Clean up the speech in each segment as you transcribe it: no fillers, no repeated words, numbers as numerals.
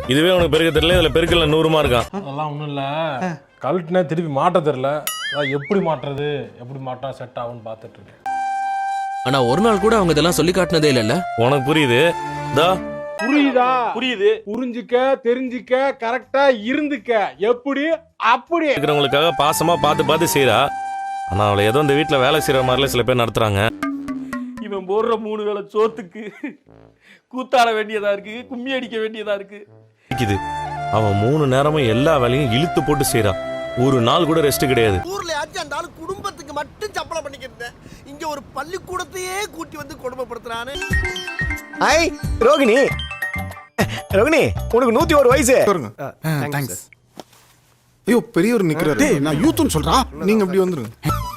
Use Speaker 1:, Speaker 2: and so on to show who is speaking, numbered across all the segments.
Speaker 1: இதுவே உனக்கு பெருக்க தெரியல, இதுல பெருக்கல 100 இருக்கான்.
Speaker 2: அதெல்லாம் ஒன்றும் இல்லை, கழட்டினா திருப்பி மாட்ட தெரியல. அதான் எப்படி மாட்டுறது, எப்படி மாட்டா செட் ஆகும்னு பார்த்துட்டு இருக்கேன்.
Speaker 3: ஆனா ஒரு நாள் கூட அவங்க இதெல்லாம் சொல்லி காட்டினதே இல்லைல்ல.
Speaker 1: உனக்கு புரியுது?
Speaker 2: புரியுதா?
Speaker 4: புரியுது.
Speaker 2: புரிஞ்சுக்க, தெரிஞ்சுக்க, கரெக்டா இருந்துக்க. எப்படி? அப்படி
Speaker 1: இருக்கிறவங்களுக்காக பாசமா பார்த்து செய்யறா. ஆனா அவளை ஏதோ இந்த வீட்டுல வேலை செய்யற மாதிரில சில பேர் நடத்துறாங்க.
Speaker 4: இவன் போடுற 3 வேளை சோத்துக்கு கூத்தாட வேண்டியதா இருக்கு, கும்மி அடிக்க வேண்டியதா இருக்கு.
Speaker 1: அவன் 3 நேரமும் எல்லா வேலையும் இழுத்து போட்டு செய்யறா. ஒரு நாள் கூட ரெஸ்ட் கிடையாது.
Speaker 5: ஊர்ல அந்த ஆளு குடும்பத்துக்கு மட்டும் சப்பளம் பண்ணிக்கிட்டு இங்க ஒரு பள்ளிக்கூடத்தையே கூட்டி வந்து கொடுமைப்படுத்துறானே.
Speaker 6: ஹாய் ரோகிணி. ரோகிணி, உனக்கு 101 வயசு.
Speaker 7: தேங்க்ஸ். ஐயோ பெரியவர் நிக்கிறாரு. நான் யூத்னு சொல்றா, நீங்க அப்படி வந்துருங்க.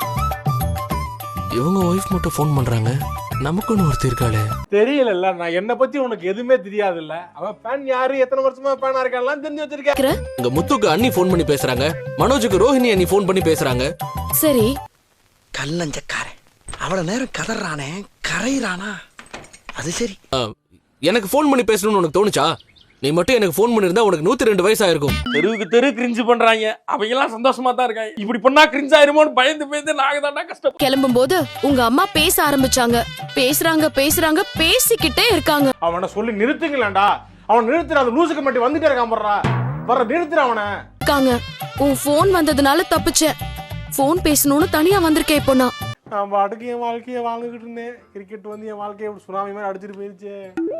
Speaker 3: இவங்க ஒய்ஃப் மட்டும் ஃபோன் பண்றாங்க, நமக்குன்னு ஒருத்தர் இருக்காளே.
Speaker 2: தெரியல, நான் என்ன பத்தி உனக்கு எதுவுமே தெரியாது இல்ல. அவன் ஃபேன் யாரு, எத்தனை வருஷமா ஃபேனா இருக்கான்லாம் தெரிஞ்சு வச்சிருக்கேன்.
Speaker 3: இங்க முத்துக்கு அண்ணி ஃபோன் பண்ணி பேசுறாங்க, மனோஜுக்கு ரோஹிணி அண்ணி ஃபோன் பண்ணி பேசுறாங்க.
Speaker 8: சரி,
Speaker 5: கல்லஞ்சக்காரன் அவ்வளவு நேரம் கதறானே, கரையிறானா? அது சரி.
Speaker 3: எனக்கு ஃபோன் பண்ணி பேசணும்னு உனக்கு தோணுச்சா? நீ மட்டும் எனக்கு ஃபோன் பண்ணிருந்தா உனக்கு 102 வயசு ஆயிருக்கும்.
Speaker 4: தெருவுக்கு தெரு கிரிஞ்சு பண்றாங்க, அவங்க எல்லாம் சந்தோஷமா தான் இருக்காங்க. இப்படி பண்ணா கிரிஞ்ச் ஆயிருமோன்னு பயந்து நாங்க தான்டா கஷ்டம்.
Speaker 8: கிளம்பும் போது உங்க அம்மா பேச ஆரம்பிச்சாங்க. பேசுறாங்க பேசிக்கிட்டே இருக்காங்க.
Speaker 2: அவனை சொல்லி நிறுத்துங்களேன்டா. அவன் நிறுத்துற, அந்த லூசுக்கு மட்டும் வந்துட்டே இருக்கான். வர்ற நிறுத்துற அவனை.
Speaker 8: உன் போன் வந்ததுனால தப்பிச்சேன். போன் பேசணும்னு தனியா வந்திருக்கேன். இப்போ நான்
Speaker 2: பாட்டுக்கு என் வாழ்க்கையை வாழ்ந்துகிட்டு இருந்தேன். கிரிக்கெட் வந்து என் வாழ்க்கையை சுனாமி மாதிரி அடிச்சிட்டு போயிருச்சு.